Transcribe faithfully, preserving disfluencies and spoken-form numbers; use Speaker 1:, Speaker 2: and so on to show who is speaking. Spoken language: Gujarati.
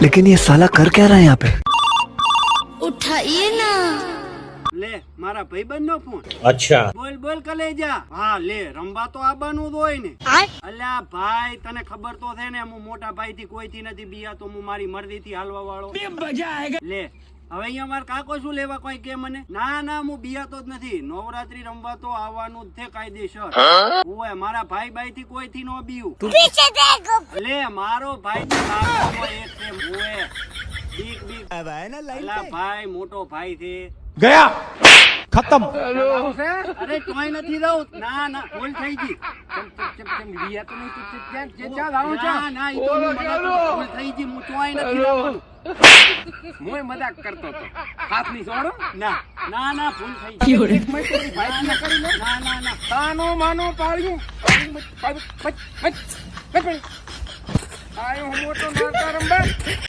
Speaker 1: लेकिन ये साला कर क्या रहा है यहाँ पे?
Speaker 2: उठाइए ना।
Speaker 3: લે મારા ભાઈબંધ નો ફોન.
Speaker 4: અચ્છા
Speaker 3: બોલ બોલ કલેજા. હા લે રંબા તો આબાનું જ હોય ને. અલ્યા ભાઈ તને ખબર તો છે ને હું મોટા ભાઈ થી કોઈ થી નથી બીયા તો હું મારી મરજી થી હાલવા વાળો. લે હવે અહીંયા મારા કાકો શું લેવા કોઈ કે મને? ના ના હું બીયાતો જ નથી. નવરાત્રી રમવા તો આવવાનું જ છે કાયદેસર. ઓય મારા ભાઈ ભાઈ થી કોઈ થી નો બીયું. લે મારો ભાઈ તો કાકો એક છે. ઓય બીક બીક અલા ભાઈ મોટો ભાઈ છે.
Speaker 5: ગયા ખતમ.
Speaker 3: અરે તોય નથી રહું. ના ના ભૂલ થઈ ગઈ. ના ના ઈ તો હું મજાક ભૂલ થઈ ગઈ. હું તોય નથી રહું.
Speaker 5: હું મજાક કરતો હતો. હાથ ની છોડો.
Speaker 3: ના ના ના ભૂલ થઈ ગઈ. ના ના ના
Speaker 5: તાનો માનો પાળ્યું આયો મોટો નાતા રંબા.